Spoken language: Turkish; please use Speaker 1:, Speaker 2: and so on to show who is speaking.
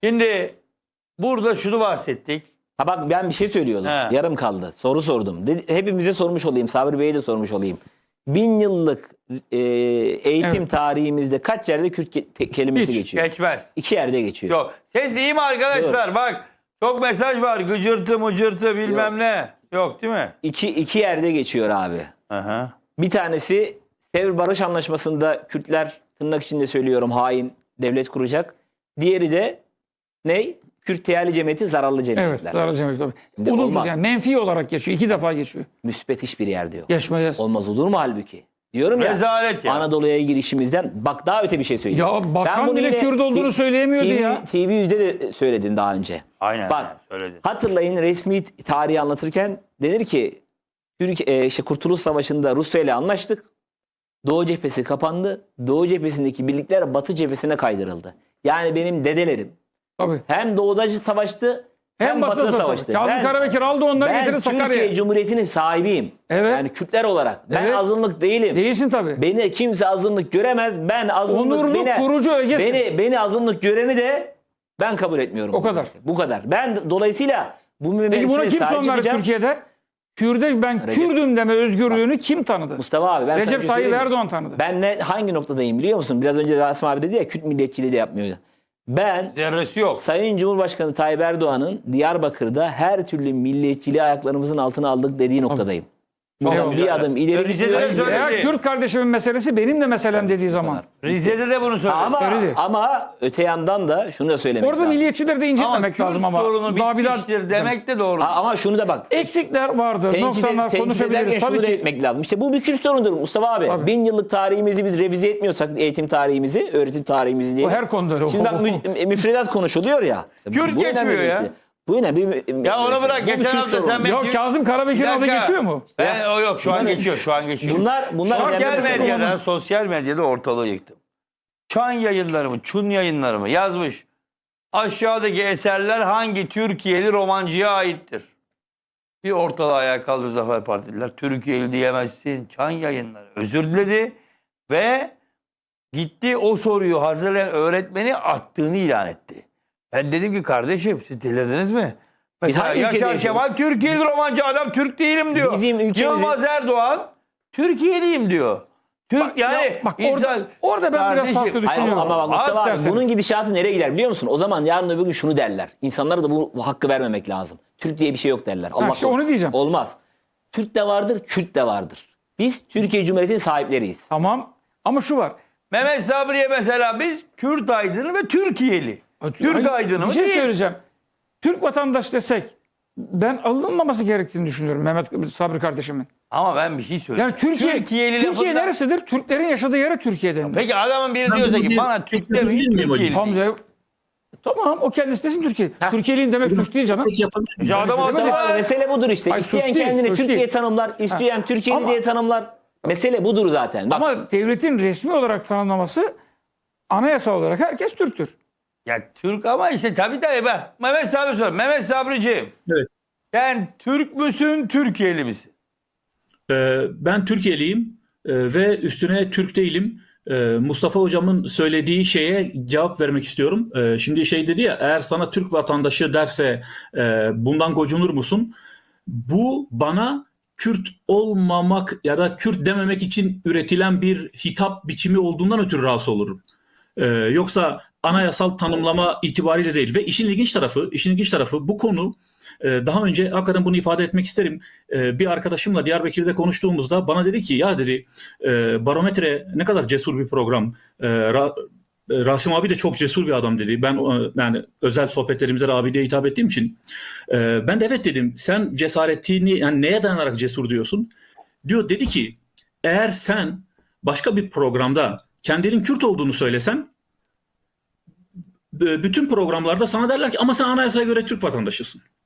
Speaker 1: Şimdi burada şunu bahsettik.
Speaker 2: Ha bak ben bir şey söylüyordum.
Speaker 1: He.
Speaker 2: Yarım kaldı. Soru sordum. Hepimize sormuş olayım. Sabri Bey'e de sormuş olayım. 1000 yıllık eğitim tarihimizde kaç yerde Kürt kelimesi
Speaker 3: Hiç.
Speaker 2: geçiyor?
Speaker 1: Geçmez.
Speaker 2: 2 yerde geçiyor.
Speaker 1: Yok. Ses iyi mi arkadaşlar? Bak çok mesaj var. Gıcırtı mıcırtı bilmem ne. Yok değil mi?
Speaker 2: İki yerde geçiyor abi.
Speaker 1: Aha.
Speaker 2: Bir tanesi Sevr Barış Anlaşması'nda Kürtler tırnak içinde söylüyorum hain devlet kuracak. Diğeri de ne? Kürt Teali Cemiyeti zararlı
Speaker 3: Evet,
Speaker 2: cemiyetler.
Speaker 3: zararlı cemiyet tabii.
Speaker 2: Şimdi
Speaker 3: Olumsuz
Speaker 2: olmaz.
Speaker 3: yani menfi olarak geçiyor. 2 defa geçiyor.
Speaker 2: Müspet hiçbir yerde yok.
Speaker 3: Geçmez.
Speaker 2: Olmaz olur mu halbuki? Diyorum ya.
Speaker 1: Rezalet ya.
Speaker 2: Anadolu'ya girişimizden bak daha öte bir şey söyleyeyim.
Speaker 3: Ya bakan
Speaker 2: bunu
Speaker 3: bile
Speaker 2: yine
Speaker 3: Kürt olduğunu söyleyemiyordu ya.
Speaker 2: TV100'de de söyledin daha önce.
Speaker 1: Aynen.
Speaker 2: Bak
Speaker 1: Söyledin.
Speaker 2: hatırlayın resmi tarihi anlatırken denir ki işte Kurtuluş Savaşı'nda Rusya ile anlaştık. Doğu cephesi kapandı. Doğu cephesindeki birlikler Batı cephesine kaydırıldı. Yani benim dedelerim
Speaker 3: Tabii.
Speaker 2: hem doğuda savaştı hem batıda savaştı.
Speaker 3: Kazım Karabekir aldı onları
Speaker 2: Ben
Speaker 3: getirdi
Speaker 2: Türkiye
Speaker 3: Sakarya'ya.
Speaker 2: Cumhuriyeti'nin sahibiyim.
Speaker 3: Evet.
Speaker 2: Yani Kürtler olarak. Ben
Speaker 3: Evet.
Speaker 2: azınlık değilim.
Speaker 3: Değilsin tabii.
Speaker 2: Beni kimse azınlık göremez. Ben azınlık
Speaker 3: Onurlu kurucu ögesin.
Speaker 2: beni azınlık göreni de ben kabul etmiyorum.
Speaker 3: O kadar.
Speaker 2: Bu kadar. Ben dolayısıyla bu
Speaker 3: Peki buna
Speaker 2: memlekete
Speaker 3: kim
Speaker 2: sahip
Speaker 3: son verdi
Speaker 2: çıkacağım.
Speaker 3: Türkiye'de? Kürt'e ben Kürdüm deme özgürlüğünü kim tanıdı?
Speaker 2: Mustafa abi ben sana bir
Speaker 3: Recep
Speaker 2: şey
Speaker 3: Tayyip
Speaker 2: söyleyeyim mi?
Speaker 3: Erdoğan tanıdı.
Speaker 2: Ben hangi noktadayım biliyor musun? Biraz önce Rasim abi dedi ya Kürt milliyetçiliği de yapmıyor. Ben
Speaker 1: Zerresi yok.
Speaker 2: Sayın Cumhurbaşkanı Tayyip Erdoğan'ın Diyarbakır'da her türlü milliyetçiliği ayaklarımızın altına aldık dediği noktadayım. Buradan
Speaker 3: Eyvallah.
Speaker 2: bir adım ileri
Speaker 1: Rize'de
Speaker 2: gidiyorum.
Speaker 1: söyledi.
Speaker 3: Veya Kürt kardeşimin meselesi benim de meselem dediği zaman.
Speaker 1: Rize'de de bunu söyledi.
Speaker 3: Söyledi.
Speaker 2: Ama öte yandan da şunu da söylemek
Speaker 3: Orada
Speaker 2: lazım.
Speaker 3: milliyetçileri de incitmemek
Speaker 1: Kürt
Speaker 3: lazım ama.
Speaker 1: sorunu
Speaker 3: Daha bir daha-
Speaker 1: bitmiştir demek de doğru.
Speaker 2: Ama şunu da bak.
Speaker 3: Eksikler vardır, noksanlar
Speaker 2: Tenkit
Speaker 3: konuşabiliriz.
Speaker 2: ederken
Speaker 3: Tabii
Speaker 2: şunu da
Speaker 3: ki.
Speaker 2: etmek lazım. İşte bu bir Kürt sorunudur Mustafa abi.
Speaker 3: Tabii.
Speaker 2: 1000 yıllık tarihimizi biz revize etmiyorsak eğitim tarihimizi, öğretim tarihimizi diye.
Speaker 3: O her konuda öyle.
Speaker 2: Şimdi bak müfredat konuşuluyor ya.
Speaker 1: Kürt
Speaker 2: Bu önemli
Speaker 1: geçmiyor
Speaker 2: bir
Speaker 1: ya.
Speaker 2: şey. Bu ne? Bir,
Speaker 1: Ya onu bırak,
Speaker 2: bu bir
Speaker 1: geçen
Speaker 2: Kürt
Speaker 1: hafta
Speaker 2: sorunu.
Speaker 1: sen
Speaker 3: Ya
Speaker 1: Kürt-
Speaker 3: Kazım Karabekir'in
Speaker 1: Bir
Speaker 3: adı
Speaker 1: dakika.
Speaker 3: geçiyor mu?
Speaker 1: O yok şu an
Speaker 2: Bunlar-
Speaker 1: geçiyor. Şu an geçiyor.
Speaker 2: Bunlar
Speaker 1: Sosyal
Speaker 2: önemli mesele.
Speaker 1: medyada, sosyal medyada ortalığı yıktım. Çan yayınları mı, Çun yayınları mı yazmış. Aşağıdaki eserler hangi Türkiye'li romancıya aittir? Bir ortalığı ayağa kaldırdı Zafer Partililer. Türkiye'li diyemezsin. Çan yayınları. Özür diledi ve gitti o soruyu hazırlayan öğretmeni attığını ilan etti. Ben dedim ki kardeşim siz delirdiniz mi? Mesela
Speaker 2: hangi ülkede
Speaker 1: Yaşar
Speaker 2: yaşıyoruz?
Speaker 1: Kemal Türkiye'li romancı adam Türk değilim diyor.
Speaker 2: Bizim ülkemizin-
Speaker 1: Yılmaz Erdoğan Türkiye'liyim diyor. Türk
Speaker 3: Orada ben biraz
Speaker 1: Kardeşim,
Speaker 3: farklı
Speaker 2: Hayır,
Speaker 3: düşünüyorum.
Speaker 2: ama bak Mustafa abi,
Speaker 3: İsterseniz.
Speaker 2: bunun gidişatı nereye gider biliyor musun? O zaman yarın öbür gün şunu derler. İnsanlara da bu hakkı vermemek lazım. Türk diye bir şey yok derler. Allah
Speaker 3: işte onu
Speaker 2: korusun.
Speaker 3: diyeceğim.
Speaker 2: Olmaz. Türk de vardır, Kürt de vardır. Biz Türkiye Cumhuriyeti'nin sahipleriyiz.
Speaker 3: Tamam ama şu var.
Speaker 1: Mehmet Sabri'ye mesela biz Kürt aydını ve Türkiye'li. Türk
Speaker 3: Hayır,
Speaker 1: aydını mı
Speaker 3: bir şey
Speaker 1: değil?
Speaker 3: söyleyeceğim. Türk vatandaş desek ben alınmaması gerektiğini düşünüyorum Mehmet Sabri kardeşimin.
Speaker 1: Ama ben bir şey söyleyeyim.
Speaker 3: Yani Türkiye
Speaker 1: lafından-
Speaker 3: neresidir? Türklerin yaşadığı yere Türkiye'den.
Speaker 1: Peki adamın biri diyorsa ki bana Türk demeyin Türkiye'li.
Speaker 3: Tamam o kendisi desin Türkiye. Türkiye'liyim demek suç değil canım.
Speaker 1: Ya adam
Speaker 2: Mustafa abi,
Speaker 1: haklı.
Speaker 2: mesele budur işte.
Speaker 3: Hayır,
Speaker 2: İsteyen
Speaker 3: suç değil,
Speaker 2: kendini
Speaker 3: suç
Speaker 2: Türk
Speaker 3: değil.
Speaker 2: diye tanımlar, isteyen Türkiye'li
Speaker 3: Ama-
Speaker 2: diye tanımlar. Mesele budur zaten. Bak,
Speaker 3: Ama devletin resmi olarak tanımlaması anayasa olarak herkes Türktür.
Speaker 1: Ya Türk ama işte tabii be. Mehmet Sabri sor. Mehmet Sabriciğim.
Speaker 4: Evet.
Speaker 1: Sen Türk müsün, Türkiye'li misin?
Speaker 4: Ben Türkiye'liyim ve üstüne Türk değilim. Mustafa hocamın söylediği şeye cevap vermek istiyorum. Şimdi şey dedi ya, eğer sana Türk vatandaşı derse bundan gocunur musun? Bu bana Kürt olmamak ya da Kürt dememek için üretilen bir hitap biçimi olduğundan ötürü rahatsız olurum. Yoksa anayasal tanımlama itibariyle değil. Ve işin ilginç tarafı bu konu, daha önce hakikaten bunu ifade etmek isterim. Bir arkadaşımla Diyarbakır'da konuştuğumuzda bana dedi ki ya dedi Barometre ne kadar cesur bir program. Rasim abi de çok cesur bir adam dedi. Ben yani özel sohbetlerimizde abi diye hitap ettiğim için ben de evet dedim. Sen cesaretini yani neye dayanarak cesur diyorsun? Dedi ki eğer sen başka bir programda kendinin Kürt olduğunu söylesen bütün programlarda sana derler ki ama sen anayasaya göre Türk vatandaşısın.